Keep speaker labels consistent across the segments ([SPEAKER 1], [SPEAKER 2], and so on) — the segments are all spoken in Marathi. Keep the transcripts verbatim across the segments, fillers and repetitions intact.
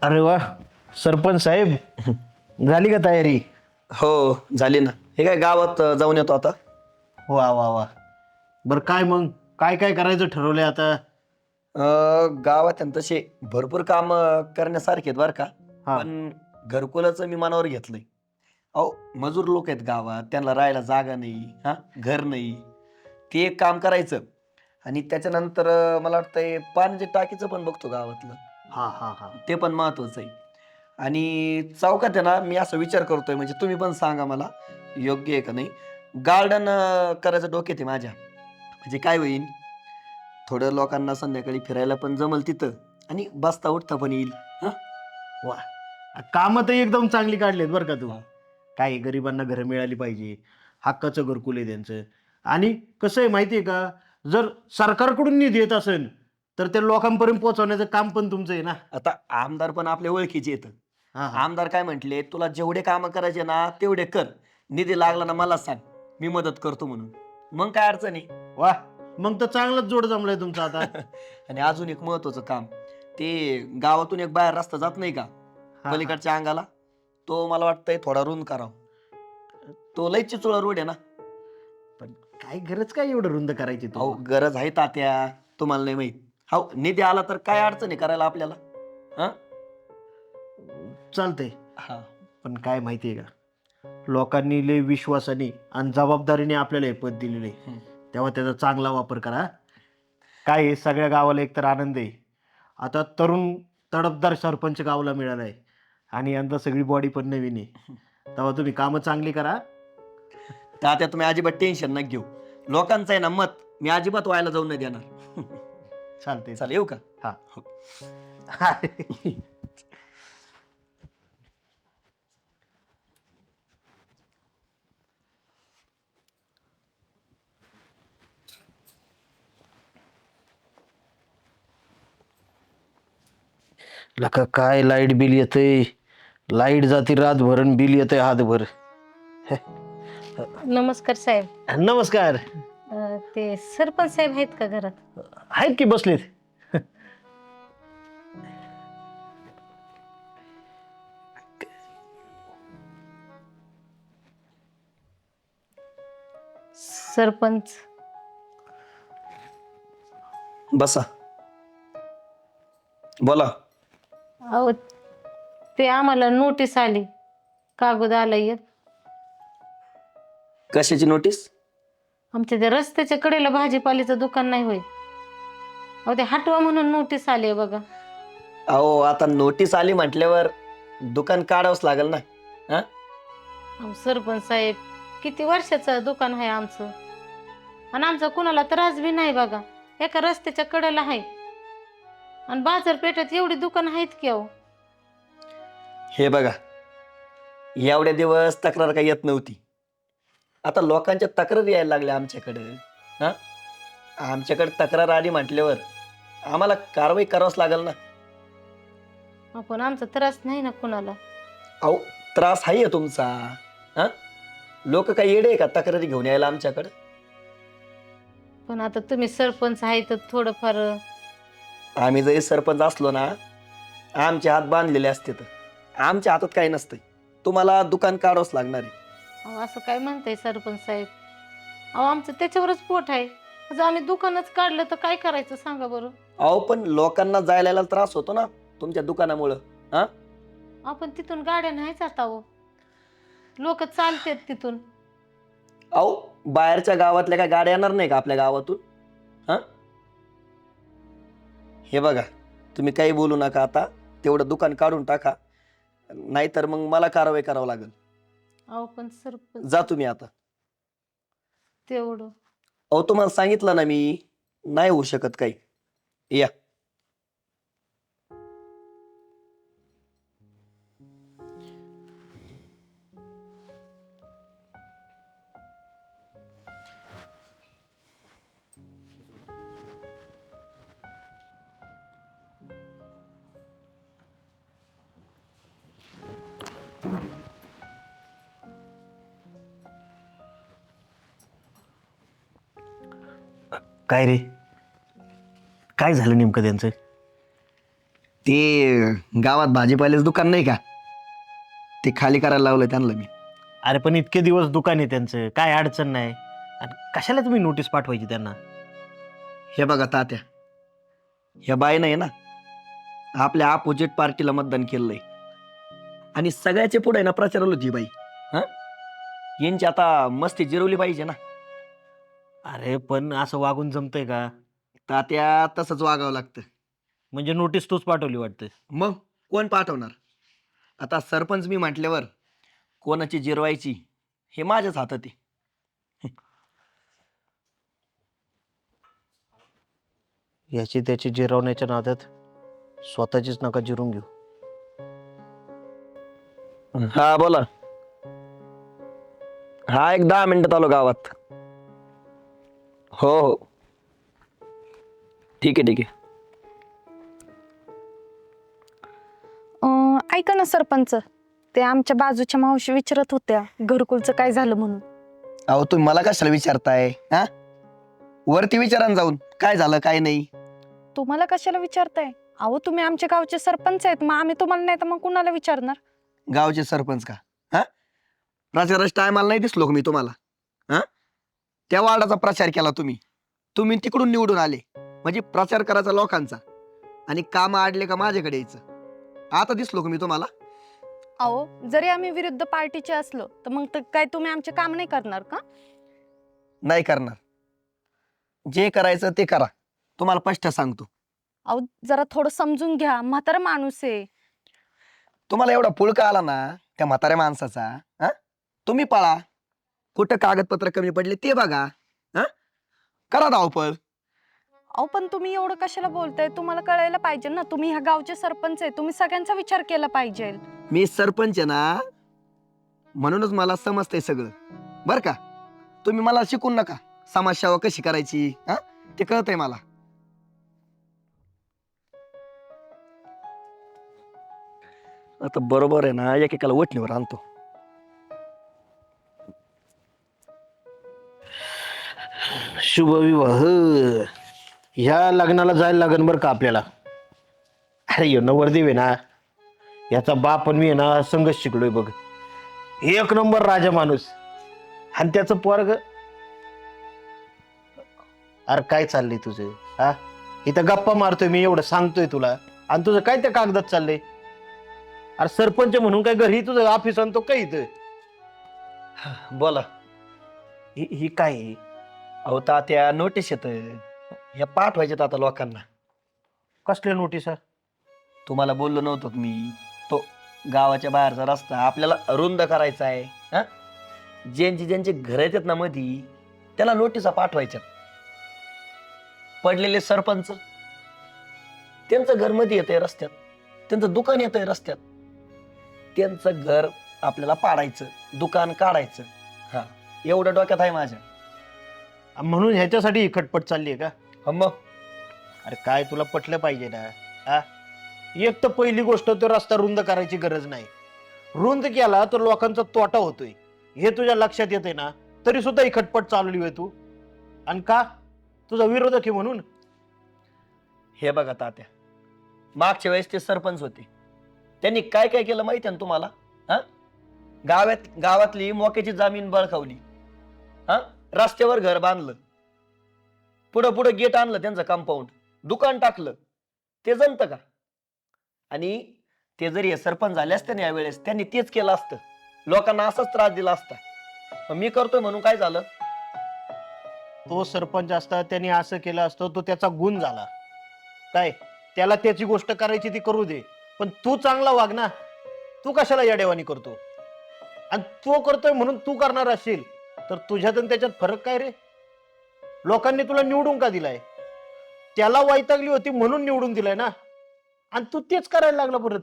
[SPEAKER 1] अरे वा, सरपंच साहेब झाली का तयारी?
[SPEAKER 2] हो झाली ना. हे काय गावात अ, जाऊन येतो आता.
[SPEAKER 1] वा वा वा. बर काय मग, काय काय करायचं ठरवलंय आता?
[SPEAKER 2] अ, गावात आहे ना तसे भरपूर काम करण्यासारखे आहेत बरं का.
[SPEAKER 1] हा.
[SPEAKER 2] पण घरकुलाचं मी मनावर घेतलंय. अहो मजूर लोक आहेत गावात, त्यांना राहायला जागा नाही, हा घर नाही. ते एक काम करायचं आणि त्याच्यानंतर अ, मला वाटतंय पाण्याच्या टाकीचं पण बघतो गावातलं.
[SPEAKER 1] हा हा हा.
[SPEAKER 2] ते पण महत्वाचं आहे. आणि चौकात आहे ना, मी असा विचार करतोय, म्हणजे तुम्ही पण सांगा मला योग्य आहे का नाही. गार्डन करायचं डोक्यात आहे माझ्या. म्हणजे काय होईल, थोडं लोकांना संध्याकाळी फिरायला पण जमल तिथं आणि बसता उठता पण येईल. हा
[SPEAKER 1] वा, कामं तर एकदम चांगली काढलीत बरं का तू.
[SPEAKER 2] हा.
[SPEAKER 1] काय गरिबांना घरं मिळाली पाहिजे, हक्काचं घरकुल आहे त्यांचं. आणि कसं आहे माहिती आहे का, जर सरकारकडून निधी येत असेल तर ते लोकांपर्यंत पोहोचवण्याचं काम पण तुमचं आहे ना.
[SPEAKER 2] आता आमदार पण आपल्या ओळखीचे येतं.
[SPEAKER 1] हा हा.
[SPEAKER 2] आमदार काय म्हटले, तुला जेवढे कामं करायचे ना तेवढे कर, निधी लागला ना मला सांग, मी मदत करतो म्हणून. मग काय अडचण आहे.
[SPEAKER 1] वा, मग तर चांगलाच जोड जमलाय तुमचा आता.
[SPEAKER 2] आणि अजून एक महत्वाचं काम, ते गावातून एक बाहेर रस्ता जात नाही का
[SPEAKER 1] हा हा.
[SPEAKER 2] पलीकडच्या अंगाला, तो मला वाटतंय थोडा रुंद करावा. तो लय चिचोळा रोड आहे ना.
[SPEAKER 1] पण काय गरज काय एवढं रुंद करायची तू?
[SPEAKER 2] अहो गरज आहे तात्या, तुम्हाला नाही माहित. हो निधी आला तर काय अडचण आहे करायला आपल्याला. हा
[SPEAKER 1] चालतंय.
[SPEAKER 2] हा
[SPEAKER 1] पण काय माहितीये का, लोकांनी लय विश्वासाने आणि जबाबदारीने आपल्याला हे पद दिलेलं आहे,
[SPEAKER 2] हम्म.
[SPEAKER 1] तेव्हा त्याचा चांगला वापर करा. काय आहे, सगळ्या गावाला एकतर आनंद आहे. आता तरुण तडफदार सरपंच गावाला मिळाला आहे आणि यंदा सगळी बॉडी पण नवीन आहे. तेव्हा तुम्ही कामं चांगली करा.
[SPEAKER 2] तात्या तुम्ही अजिबात टेन्शन नका घेऊ. लोकांचं आहे ना मत, मी अजिबात व्हायला जाऊन नाही देणार.
[SPEAKER 1] चालतंय.
[SPEAKER 2] चालेल येऊ का.
[SPEAKER 1] हा.
[SPEAKER 2] हो.
[SPEAKER 1] लका काय लाईट बिल येतंय, लाईट जाती रातभर आणि बिल येतंय हातभर.
[SPEAKER 3] नमस्कार साहेब.
[SPEAKER 1] नमस्कार.
[SPEAKER 3] अ, ते सरपंच साहेब आहेत का घरात?
[SPEAKER 1] आहेत की बसलेत.
[SPEAKER 3] सरपंच
[SPEAKER 2] बसा बोला.
[SPEAKER 3] अहो ते आम्हाला नोटीस आली, कागद आलाय एक.
[SPEAKER 2] कशाची नोटीस.
[SPEAKER 3] आमच्या त्या रस्त्याच्या कडेला भाजीपाल्याचं दुकान नाही होय, अहो ते हटवा म्हणून नोटीस आली आहे बघा.
[SPEAKER 2] अहो आता नोटीस आली म्हटल्यावर दुकान काढावंच लागेल ना. हा
[SPEAKER 3] अहो सरपंच साहेब, किती वर्षाचं दुकान आहे आमचं, आणि आमचा कुणाला त्रास बी नाही बघा. एका रस्त्याच्या कडेला आहे आणि बाजारपेठेत एवढी दुकान आहेत की अहो.
[SPEAKER 2] हे बघा, एवढ्या दिवस तक्रार काही येत नव्हती, आता लोकांच्या तक्रारी यायला लागल्या आमच्याकडे. हा आमच्याकडे तक्रार आली म्हटल्यावर आम्हाला कारवाई करावंच लागेल ना.
[SPEAKER 3] आपण आमचा त्रास नाही ना कुणाला.
[SPEAKER 2] अहो त्रास आहे तुमचा. हा लोक काही येडे आहे का तक्रारी घेऊन यायला आमच्याकडे.
[SPEAKER 3] पण आता तुम्ही सरपंच आहे तर थोडंफार.
[SPEAKER 2] आम्ही जरी सरपंच असलो ना, आमचे हात बांधलेले असते, तर आमच्या हातात काही नसतंय. तुम्हाला दुकान काढावंच लागणार आहे.
[SPEAKER 3] अहो असं काय म्हणताय सरपंच साहेब? अहो आमचं त्याच्यावरच पोट आहे. जर आम्ही दुकानच काढलं तर काय करायचं सांगा बरं.
[SPEAKER 2] अहो पण लोकांना जायला यायला त्रास होतो ना तुमच्या दुकानामुळं. हा
[SPEAKER 3] आपण तिथून गाड्या नाही जात आहो, लोक चालतात तिथून.
[SPEAKER 2] अहो बाहेरच्या गावातल्या काय गाड्या येणार नाही का आपल्या गावातून. हा हे बघा, तुम्ही काही बोलू नका आता, तेवढं दुकान काढून टाका, नाहीतर मग मला कारवाई करावं लागेल.
[SPEAKER 3] अहो पण सरपंच
[SPEAKER 2] जा तुम्ही आता.
[SPEAKER 3] तेवढं.
[SPEAKER 2] अहो तुम्हाला सांगितलं ना मी, नाही होऊ शकत काही. या.
[SPEAKER 1] काय रे, काय झालं नेमकं त्यांचं?
[SPEAKER 2] ते गावात भाजीपाल्याचं दुकान नाही का, ते खाली करायला लावलं त्यांना मी.
[SPEAKER 1] अरे पण इतके दिवस दुकान आहे त्यांचं, काय अडचण नाही. आणि कशाला तुम्ही नोटीस पाठवायची त्यांना?
[SPEAKER 2] हे बघा तात्या, ह्या बाईनं आहे ना आपल्या अपोजिट पार्टीला मतदान केलंय आणि सगळ्याचे पुढे ना प्रचारवलं होती बाई. हा, यांची आता मस्ती जिरवली पाहिजे ना.
[SPEAKER 1] अरे पण असं वागून जमतंय का?
[SPEAKER 2] तात्या तसंच वागावं लागतं.
[SPEAKER 1] म्हणजे नोटीस तूच पाठवली वाटतं.
[SPEAKER 2] मग कोण पाठवणार? आता सरपंच मी म्हटल्यावर कोणाची जिरवायची हे माझ्याच हातात आहे.
[SPEAKER 1] याची त्याची जिरवण्याच्या नादात स्वतःचीच नका जिरून घेऊ.
[SPEAKER 2] हा बोला. हा एक दहा मिनिटात आलो गावात. हो हो ठीक आहे ठीक आहे.
[SPEAKER 4] अं, ऐका ना सरपंच, ते आमच्या बाजूच्या मावशी विचारत होत्या घरकुलचं काय झालं म्हणून.
[SPEAKER 2] अहो तुम्ही मला कशाला विचारताय? हा, वरती विचारा ना जाऊन काय झालं काय नाही.
[SPEAKER 4] तुम्हाला कशाला विचारताय? अहो तुम्ही आमच्या गावचे सरपंच आहेत, मग आम्ही तुम्हाला नाही तर मग कुणाला विचारणार?
[SPEAKER 2] गावचे सरपंच का? हा, प्रचाराच्या टायमाला नाही दिसलो का मी तुम्हाला? हा, त्या वार्डाचा प्रचार केला तुम्ही तुम्ही तिकडून निवडून आले म्हणजे प्रचार करायचा लोकांचा आणि काम आडले का माझ्याकडे यायचं. आता दिसलो का मी तुम्हाला?
[SPEAKER 4] अहो जरी आम्ही विरुद्ध पार्टीचे असलो तर मग तर काय तुम्ही आमचे काम नाही करणार का?
[SPEAKER 2] नाही करणार. जे करायचं ते करा, तुम्हाला स्पष्ट सांगतो.
[SPEAKER 4] अहो जरा थोडं समजून घ्या, म्हातारा माणूस आहे.
[SPEAKER 2] तुम्हाला एवढा पुळका आला ना त्या म्हाताऱ्या माणसाचा, हा, तुम्ही पळा. कुठं कागदपत्र कमी पडले ते बघा. हा, करा धावपळ.
[SPEAKER 4] अहो पण तुम्ही एवढं कशाला बोलताय? तुम्हाला कळायला पाहिजे ना, तुम्ही ह्या गावचे सरपंच आहे, तुम्ही सगळ्यांचा विचार केला पाहिजे.
[SPEAKER 2] मी सरपंच आहे ना, म्हणूनच मला समजतंय सगळं बर का. तुम्ही मला शिकून नका समाजसेवा कशी करायची, हा, ते कळतंय मला. आता बरोबर आहे ना, एकेकाला वटणीवर आणतो.
[SPEAKER 1] शुभविवाह ह्या लग्नाला जायला लागन बरं का आपल्याला. अरे यो नवरदेव आहे ना, याचा बाप पण मी आहे ना संघच शिकलोय बघ. एक नंबर राजा माणूस. आणि त्याचं पोरग. अरे काय चाललंय तुझं? हा, इथं गप्पा मारतोय मी, एवढं सांगतोय तुला, आणि तुझं काय त्या कागदात चाललंय? अरे सरपंच म्हणून काय घरी तुझं ऑफिस आणतो काय इथं?
[SPEAKER 2] बोला.
[SPEAKER 1] ही ही काय आहे?
[SPEAKER 2] अहो तात्या नोटीस येत ह्या पाठवायच्यात आता लोकांना.
[SPEAKER 1] कसल्या नोटीस?
[SPEAKER 2] तुम्हाला बोललो नव्हतो का मी, तो गावाच्या बाहेरचा रस्ता आपल्याला रुंद करायचा आहे. हा, ज्यांची ज्यांचे घर येतात ना मधी त्याला नोटिसा पाठवायच्या. पडलेले सरपंच त्यांचं घर मध्ये येतंय रस्त्यात, त्यांचं दुकान येतंय रस्त्यात, त्यांचं घर आपल्याला पाडायचं, दुकान काढायचं. हा, एवढं डोक्यात आहे माझ्या.
[SPEAKER 1] म्हणून ह्याच्यासाठी ही खटपट चालली आहे का?
[SPEAKER 2] हा मग.
[SPEAKER 1] अरे काय तुला पटलं पाहिजे ना. हा, एक तर पहिली गोष्ट, तो रस्ता रुंद करायची गरज नाही. रुंद केला तर लोकांचा तोटा होतोय हे तुझ्या लक्षात येते ना, तरी सुद्धा ही खटपट चालवली आहे तू. आणि का? तुझा विरोधक आहे म्हणून?
[SPEAKER 2] हे बघा तात्या, मागच्या वेळेस ते सरपंच होते, त्यांनी काय काय केलं माहिती आहे ना तुम्हाला? हा, गावात गावातली मोक्याची जमीन बळकावली, हा, रस्त्यावर घर बांधलं, पुढं पुढं गेट आणलं, त्यांचं कंपाऊंड, दुकान टाकलं. ते जमतं का? आणि ते जरी हे सरपंच झाले असते ना यावेळेस, त्यांनी तेच केलं असतं, लोकांना असाच त्रास दिला असता. पण मी करतोय म्हणून काय झालं?
[SPEAKER 1] तो सरपंच असता त्याने असं केलं असतं, तो त्याचा गुण झाला. काय त्याला त्याची गोष्ट करायची ती करू दे, पण तू चांगला वाग ना. तू कशाला याडेवानी करतो? आणि तो करतोय म्हणून तू करणार असेल तर तुझ्यात आणि त्याच्यात फरक काय रे? लोकांनी तुला निवडून का दिलाय? त्याला वैतागली होती म्हणून निवडून दिलाय ना, आणि तू तेच करायला लागला परत.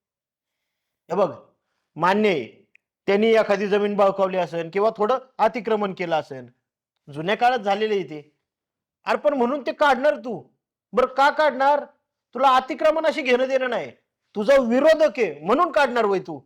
[SPEAKER 1] हे बघ, मान्य आहे त्यांनी एखादी जमीन बळकावली असेल किंवा थोडं अतिक्रमण केलं असेल, जुन्या काळात झालेले इथे. अरे पण म्हणून ते काढणार तू? बरं का काढणार? तुला अतिक्रमणाशी घेणं देणं नाही, तुझा विरोधक आहे म्हणून काढणार वय तू?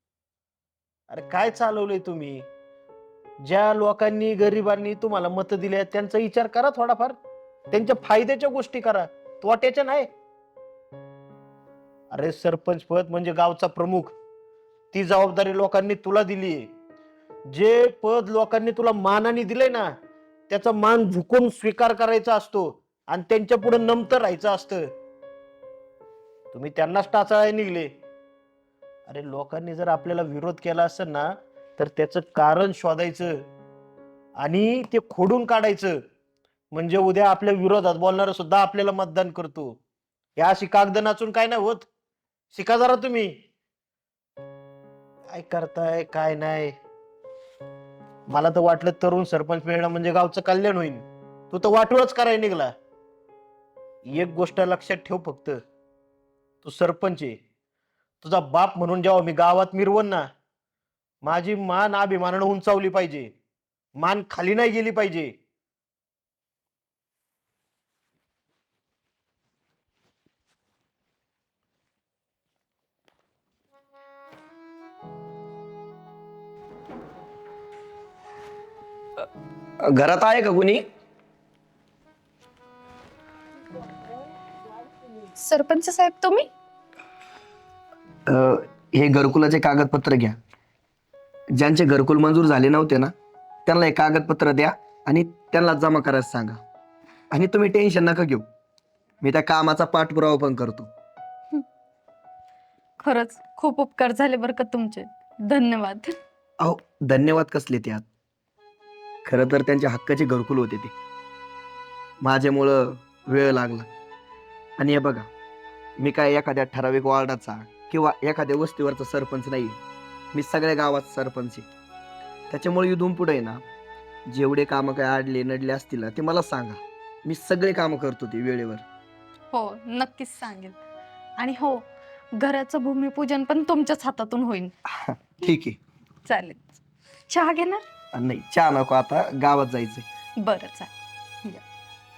[SPEAKER 1] अरे काय चालवलंय तुम्ही? ज्या लोकांनी गरिबांनी तुम्हाला मत दिले त्यांचा विचार करा थोडाफार, त्यांच्या फायद्याच्या गोष्टी करा, तोट्याच्या नाही. अरे सरपंच पद म्हणजे गावचा प्रमुख, ती जबाबदारी लोकांनी तुला दिली आहे. जे पद लोकांनी तुला मानाने दिलंय ना, त्याचा मान झुकून स्वीकार करायचा असतो आणि त्यांच्या पुढे नमतं राहायचं असतं. तुम्ही त्यांनाच टाचाळाय निघले. अरे लोकांनी जर आपल्याला विरोध केला असेल ना, तर त्याचं कारण शोधायचं आणि ते खोडून काढायचं. म्हणजे उद्या आपल्या विरोधात बोलणार सुद्धा आपल्याला मतदान करतो. या अशी कागद नाचून काय नाही होत. शिका जरा तुम्ही. काय करताय काय नाही. मला तर वाटलं तरुण सरपंच मिळणं म्हणजे गावचं कल्याण होईल. तू तर वाटोळच करायला निघला. एक गोष्ट लक्षात ठेव फक्त, तू सरपंच आहे. तुझा बाप म्हणून जेव्हा मी गावात मिरवण ना, माझी मान अभिमानानं उंचावली पाहिजे, मान खाली नाही गेली पाहिजे.
[SPEAKER 2] घरात आहे का कुणी?
[SPEAKER 4] सरपंच साहेब तुम्ही?
[SPEAKER 2] अं, हे घरकुलाचे कागदपत्र घ्या. ज्यांचे घरकुल मंजूर झाले नव्हते ना, त्यांना हे कागदपत्र द्या आणि त्यांना जमा करायला सांगा. आणि तुम्ही टेन्शन नका घेऊ, मी त्या कामाचा पाठपुरावा पण करतो.
[SPEAKER 4] खरंच खूप उपकार झाले बरं का तुमचे. धन्यवाद.
[SPEAKER 2] अहो धन्यवाद कसले त्यात. खरं तर त्यांच्या हक्काचे घरकुल होते ते. माझ्यामुळं वेळ लागला. आणि हे बघा, मी काय एखाद्या ठराविक वॉर्डाचा किंवा एखाद्या वस्तीवरचा सरपंच नाही. मी सगळ्या गावात सरपंच आहे. त्याच्यामुळे इथून पुढे ना, जेवढे कामं काय आडले नडले असतील ना, ते मला सांगा. मी सगळे कामं करतो ते वेळेवर.
[SPEAKER 4] हो नक्कीच सांगेल. आणि हो, घराचं भूमिपूजन पण तुमच्याच हातातून होईल.
[SPEAKER 2] ठीक आहे.
[SPEAKER 4] चालेल. चहा घेणार?
[SPEAKER 2] आणि नाही, चहा नको, आता गावात जायचंय.
[SPEAKER 4] बरं चालेल. या.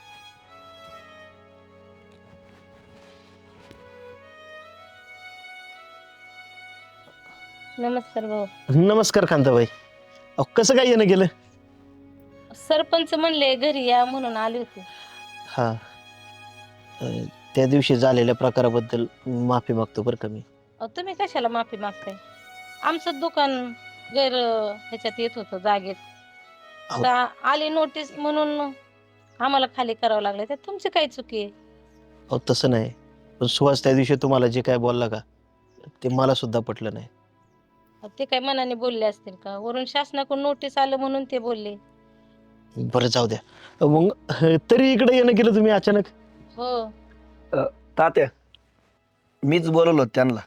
[SPEAKER 3] नमस्कार भाऊ.
[SPEAKER 1] नमस्कार कांताबाई. अहो कसं काय येणं गेलं?
[SPEAKER 3] सरपंच म्हणले घरी या म्हणून आले होते.
[SPEAKER 1] हा, अं, त्या दिवशी झालेल्या प्रकाराबद्दल माफी मागतो बरं का मी.
[SPEAKER 3] अहो, तुम्ही कशाला माफी मागताय? आमचं दुकान गैर ह्याच्यात येत होतं जागेत.
[SPEAKER 1] अहो.
[SPEAKER 3] आता आली नोटीस म्हणून आम्हाला खाली करावं लागलं. त्यात तुमची काय चुकी आहे?
[SPEAKER 1] अहो तसं नाही, पण सुहास त्या दिवशी तुम्हाला जे काय बोलला का, ते मला सुद्धा पटलं नाही.
[SPEAKER 3] अहो, ते काय मनाने बोलले असतील का? वरून शासनाकडून नोटीस आलं म्हणून ते बोलले.
[SPEAKER 1] बरं जाऊ द्या. अं, मग अं, तरी इकडे येणं केलं तुम्ही अचानक?
[SPEAKER 3] हो,
[SPEAKER 2] तात्या, मीच बोलवलो त्यांना.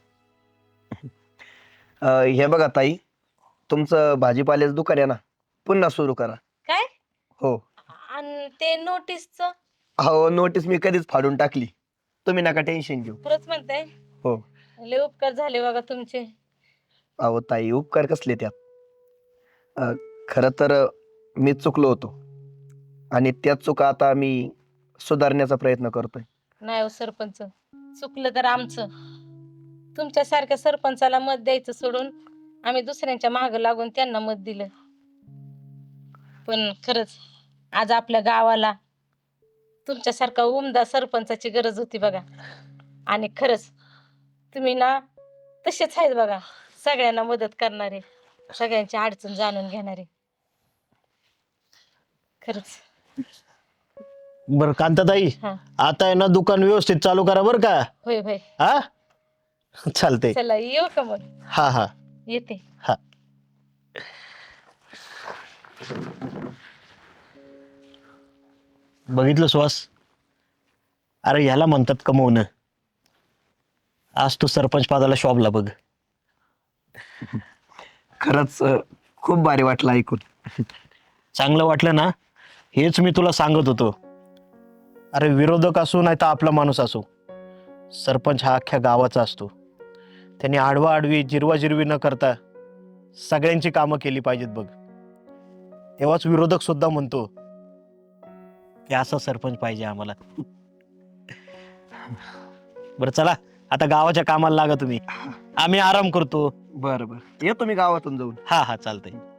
[SPEAKER 2] अं, हे बघा ताई, तुमचं भाजीपाल्याचं दुकान आहे ना, पुन्हा सुरू करा.
[SPEAKER 3] काय?
[SPEAKER 2] हो.
[SPEAKER 3] आणि ते नोटीसचं
[SPEAKER 2] हो, नोटीस मी कधीच फाडून टाकली. तुम्ही नका टेन्शन घेऊ.
[SPEAKER 3] खरंच म्हणताय?
[SPEAKER 2] हो.
[SPEAKER 3] लय उपकार झाले बघा तुमचे.
[SPEAKER 2] अहो ताई, उपकार कसले त्यात. अं, खरं तर अं, मी चुकलो होतो आणि त्या चुका आता मी सुधारण्याचा प्रयत्न करतोय.
[SPEAKER 3] नाही हो सरपंच, चुकलं तर आमचं. तुमच्यासारख्या सरपंचाला मत द्यायचं सोडून आम्ही दुसऱ्यांच्या मागं लागून त्यांना मत दिलं. पण खरंच आज आपल्या गावाला तुमच्यासारखा उमदा सरपंचाची गरज होती बघा. आणि खरंच तुम्ही ना तसेच आहेत बघा, सगळ्यांना मदत करणारे, सगळ्यांची अडचण जाणून घेणारे. खरंच.
[SPEAKER 1] बरं कांताताई,
[SPEAKER 3] हा,
[SPEAKER 1] आता आहे ना दुकान व्यवस्थित चालू करा बरं का.
[SPEAKER 3] होय होय.
[SPEAKER 1] हा चालतंय.
[SPEAKER 3] चला येऊ का मग?
[SPEAKER 1] हा हा
[SPEAKER 3] येते.
[SPEAKER 1] हा. बघितलं सुहास, अरे ह्याला म्हणतात कमवणं. आज तू सरपंच पदाला शोभला बघ.
[SPEAKER 2] खरंच अं, खूप भारी वाटलं ऐकून.
[SPEAKER 1] चांगलं वाटलं ना, हेच मी तुला सांगत होतो. अरे विरोधक असो नाही तर आपला माणूस असो, सरपंच हा अख्ख्या गावाचा असतो. त्यांनी आडवा आडवी जिरवा जिरवी न करता सगळ्यांची कामं केली पाहिजेत बघ. तेव्हाच विरोधक सुद्धा म्हणतो की असा सरपंच पाहिजे आम्हाला. बरं चला, आता गावाच्या कामाला लागा तुम्ही. आम्ही आराम करतो.
[SPEAKER 2] बरं बरं, येतो मी गावातून जाऊन.
[SPEAKER 1] हा हा चालतंय.